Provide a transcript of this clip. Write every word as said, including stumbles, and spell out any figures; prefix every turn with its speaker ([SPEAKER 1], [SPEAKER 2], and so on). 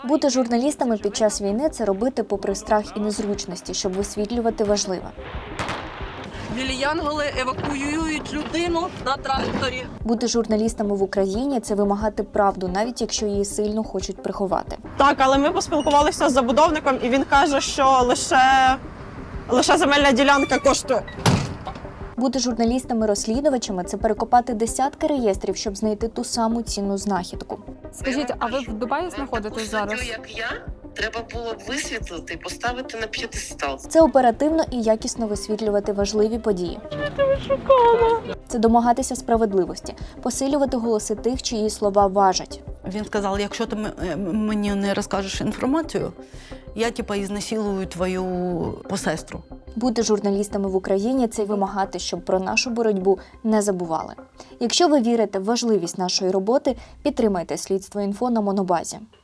[SPEAKER 1] Бути журналістами під час війни – це робити попри страх і незручності, щоб висвітлювати важливе.
[SPEAKER 2] Білі янголи евакуюють людину на тракторі.
[SPEAKER 1] Бути журналістами в Україні – це вимагати правду, навіть якщо її сильно хочуть приховати.
[SPEAKER 3] Так, але ми поспілкувалися з забудовником, і він каже, що лише, лише земельна ділянка коштує.
[SPEAKER 1] Бути журналістами-розслідувачами – це перекопати десятки реєстрів, щоб знайти ту саму цінну знахідку.
[SPEAKER 4] Скажіть, а ви в Дубаї знаходитесь зараз?
[SPEAKER 5] Таку як я, треба було б висвітлити і поставити на п'єдестал.
[SPEAKER 1] Це оперативно і якісно висвітлювати важливі події. Це домагатися справедливості, посилювати голоси тих, чиї слова важать.
[SPEAKER 6] Він сказав, якщо ти м- мені не розкажеш інформацію, я типа ізнасилую твою посестру.
[SPEAKER 1] Бути журналістами в Україні – це й вимагати, щоб про нашу боротьбу не забували. Якщо ви вірите в важливість нашої роботи, підтримайте Слідство.Інфо на Монобазі.